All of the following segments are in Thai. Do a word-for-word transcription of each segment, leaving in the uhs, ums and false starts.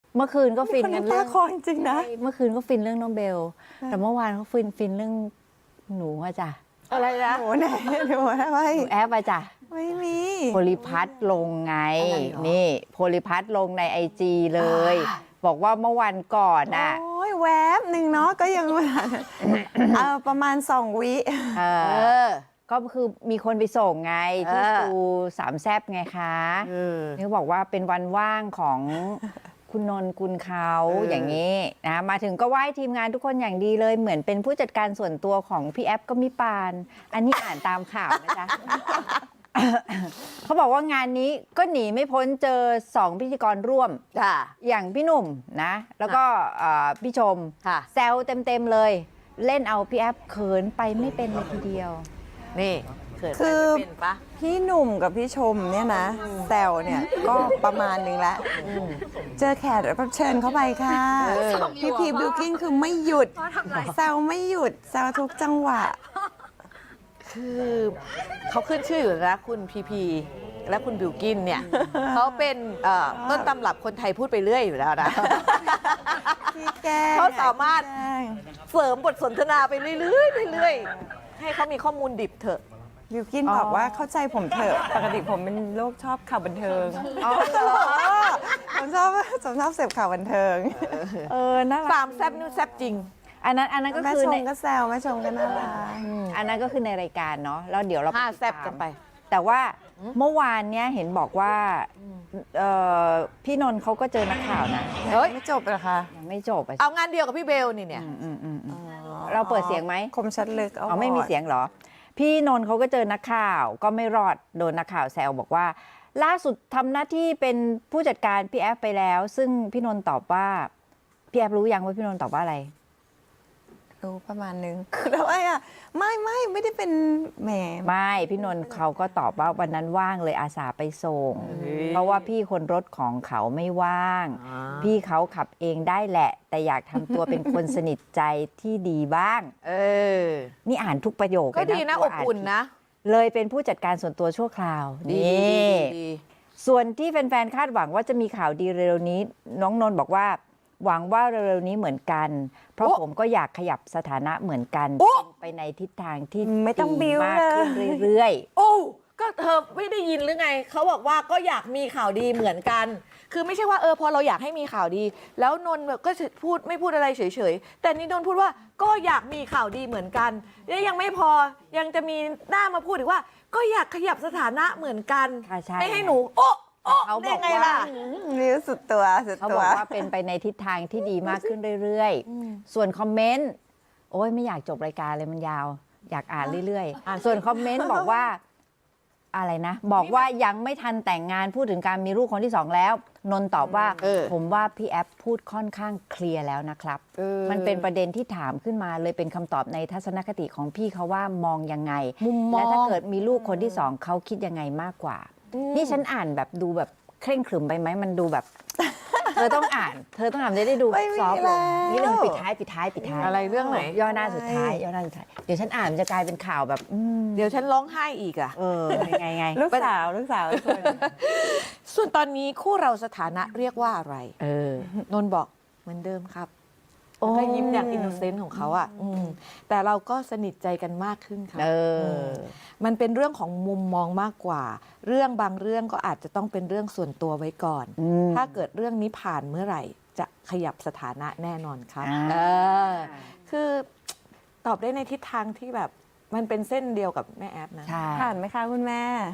เมื่อคืนก็ฟินกันเรื่องตาคอจริงๆนะเมื่อคืนก็ฟินเรื่องน้องเบล แต่เมื่อวานเขาฟินฟินเรื่องหนูอะจ้ะอะไรนะโหไหนเดี๋ยวทำไมหนูแอปอะจ้ะไม่มีโพลิพัทลงไงอะไรหรอนี่โพลิพัทลงในไอจีเลย บอกว่าเมื่อวันก่อนน่ะโอ้ยแวบหนึ่งเนาะก็ยังเออประมาณสองวิเอเอออก็คือมีคนไปส่งไงที่เออตูสามแซบไงคะเออนี่บอกว่าเป็นวันว่างของคุณนนท์กุลเขาเออออย่างนี้นะมาถึงก็ไหว้ทีมงานทุกคนอย่างดีเลยเหมือนเป็นผู้จัดการส่วนตัวของพี่แอฟก็มีปาน อันนี้อ่านตามข่าวนะจ๊ะ เขาบอกว่างานนี้ก็หนีไม่พ้นเจอสองพิธีกรร่วมจ้ะอย่างพี่หนุ่มนะ แล้วก็เอ่อพี่ชมค่ะแซวเต็ม ๆ เลย เล่นเอาพี่แอฟเขินไปไม่เป็นเลยทีเดียวนี่เขินไปคือไม่เป็นปะพี่หนุ่มกับพี่ชมเนี่ยนะแซวเนี่ยก็ประมาณหนึงแล้วเจอแขกรับเชิญเข้าไปค่ะเออพี่พีบิวกิ้นคือไม่หยุดแซวไม่หยุดแซวทุกจังหวะคือเขาขึ้นชื่ออยู่นะคุณพีพีและคุณบิวกินเนี่ย เขาเป็นเอ่อต้นตำรับคนไทยพูดไปเรื่อยอยู่แล้วนะพี่แก้งเขาสามารถพี่แกล้งเสริมบทสนทนาไปเรื่อยๆเรื่อยๆให้เขามีข้อมูลดิบเถอะบิวกินอ๋อบอกว่าเข้าใจผมเถอะปกติผมเป็นโรคชอบข่าวบันเทิงอ๋อเหรอผมชอบผมชอบเสพข่าวบันเทิง เออน่ารักสามแซบนิ้วแซบจริงอันนั้นอันนั้นก็แม่คือชในมก็แซวแม่ชมก็น่ารักอันนั้นก็คือในรายการเนาะแล้วเดี๋ยวเราห้าติดแซบตามกันไปแต่ว่าเมื่อวานเนี้ยเห็นบอกว่าเอ่อพี่นนท์เขาก็เจอนักข่าวนะเฮ้ยไม่จบเหรอคะยังไม่จบอะสิเอางานเดียวกับพี่เบลนี่เนี่ยอืมอืมอืมอืมเราเปิดเสียงไหมคมชัดลึกอ๋อไม่มีเสียงเหรอ พี่นนท์เขาก็เจอนักข่าวก็ไม่รอดโดนนักข่าวแซวบอกว่า ล่าสุดทำหน้าที่เป็นผู้จัดการพี่แอฟไปแล้ว ซึ่งพี่นนท์ตอบว่าพี่แอฟรู้ยังว่าพี่นนท์ตอบว่าอะไรรู้ประมาณนึงแล้วไอ้อะไม่ไม่ไม่ได้เป็นแหมไม่พี่นนท์เขาก็ตอบว่าวันนั้นว่างเลยอาสาไปส่งเฮ้ยเพราะว่าพี่คนรถของเขาไม่ว่างอ่าพี่เขาขับเองได้แหละ แต่อยากทำตัวเป็นคนสนิทใจที่ดีบ้างเออนี่อ่านทุกประโยคก็เลยดีนะกอลัวบาอุ่นนะเลยเป็นผู้จัดการส่วนตัวชั่วคราวดีนี่ดีดีส่วนที่แฟนๆคาดหวังว่าจะมีข่าวดีเร็วๆนี้ น้องนนท์บอกว่า หวังว่าเร็วๆนี้เหมือนกัน เพราะผมก็อยากขยับสถานะเหมือนกันเป็นไปในทิศทางที่ไม่ต้องดีบิ้วมากเลขึ้นยเรื่อยโอ้ก็เธอไม่ได้ยินหรือไง เขาบอกว่าก็อยากมีข่าวดีเหมือนกัน คือไม่ใช่ว่าเออพอเราอยากให้มีข่าวดี แล้วนนท์แบบก็พูดไม่พูดอะไรเฉยๆ แต่นี่นนท์พูดว่าก็อยากมีข่าวดีเหมือนกันและยังไม่พอยังจะมีหน้ามาพูดอีกว่า ก็อยากขยับสถานะเหมือนกันๆค่ะใช่ไม่ให้หนูโอ้โอ้เขาบได้อกไงว่าล่ะนิ้วสุดตัวสุดเขาตับวอกว่าเป็นไปในทิศทางที่ดีมากขึ้นเรื่อยๆ ส่วนคอมเมนต์ โอ้ยไม่อยากจบรายการเลยมันยาว อยากอ่านเรื่อยอ่านๆ ส่วนคอมเมนต์บอกว่าอะไรนะ บอกว่ายังไม่ทันแต่งงานพูดถึงการมีลูกคนที่สองแล้ว นนท์ตอบว่าเออผมว่าพี่แอฟพูดค่อนข้างเคลียร์แล้วนะครับเออมันเป็นประเด็นที่ถามขึ้นมาเลยเป็นคำตอบในทัศนคติของพี่เขาว่ามองยังไงมุมมองและถ้าเกิดมีลูกคนที่สองเขาคิดยังไงมากกว่า นี่ฉันอ่านแบบดูแบบเคร่งขรึมไปไหมมันดูแบบ เธอต้องอ่าน เธอต้องอ่านจะได้ดูไม่มีซอฟต์ลงแล้วนี่เรื่องปิดท้ายปิดท้ายปิดท้ายอะไรเรื่องไหนย่อหน้าสุดท้ายย่อหน้าสุดท้ายเดี๋ยวฉันอ่านมันจะกลายเป็นข่าวแบบอืมเดี๋ยวฉันร้องไห้อีกอะเออไงไงลูกสาวลูกสาวทุกคนส่วนตอนนี้คู่เราสถานะเรียกว่าอะไรเออนนท์บอกเหมือนเดิมครับโอ้แล้วก็ยิ้มอย่างอินโนเซนต์ของเขาอ่ะอืมแต่เราก็สนิทใจกันมากขึ้นค่ะเออมันเป็นเรื่องของมุมมองมากกว่า เรื่องบางเรื่องก็อาจจะต้องเป็นเรื่องส่วนตัวไว้ก่อนอืมถ้าเกิดเรื่องนี้ผ่านเมื่อไหร่ จะขยับสถานะแน่นอนครับอ่าเออคือตอบได้ในทิศทางที่แบบมันเป็นเส้นเดียวกับแม่แอฟนะใช่ผ่านไหมคะคุณแม่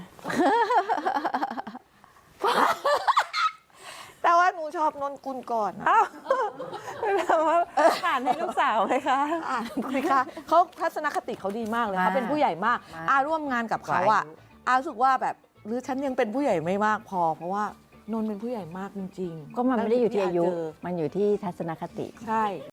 แต่ว่าหนูชอบนนกุลก่อนนะอ้าวแบบว่าผ่านให้ลูกสาวไหมคะอ่านคุยค่ะเขาทัศนคติเขาดีมากเลยมากเขาเป็นผู้ใหญ่มากมากอาร่วมงานกับเขาอ่ะกว่าอายุอารู้สึกว่าแบบหรือฉันยังเป็นผู้ใหญ่ไม่มากพอ เพราะว่านนท์เป็นผู้ใหญ่มากจริงๆก็มันไม่ได้อยู่ที่อายุเจมันอยู่ที่ทัศนคติใช่